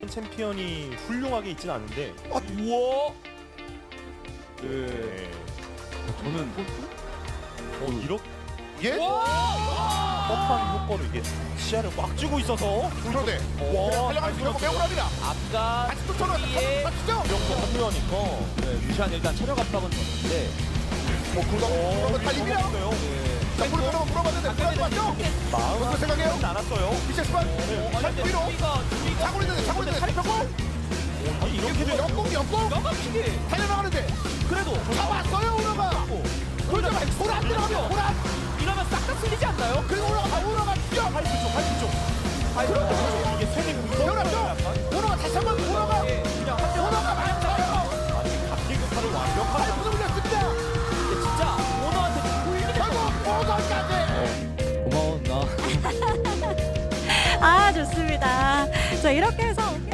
챔피언이 훌륭하게 있진 않은데. 우와. 네. 저는 이렇게 예? 뻑한 효과로 이게 시야를 꽉 쥐고 있어서. 그런데 와, 달려가는 결국 매우랍니다. 아까 다시 또 전화 맞추죠? 이렇게 합류하니까. 루시안 일단 체력 압박은 줬는데 그거 달립니다. 자, 물어봤는데 물어봤죠? 마음 어떻게 생각해요? 않았어요. 미셸스만 위로 차고 있는데 다리 펴고 아니 이렇게 되면 역공 막히게 달려나가는데 그래도 잡았어요 오너가. 그러자 돌아 안 들어가면 돌아 이러면 싹 다 쓸리지 않나요? 그리고 올라갔죠. 파이프 쪽. 그렇죠.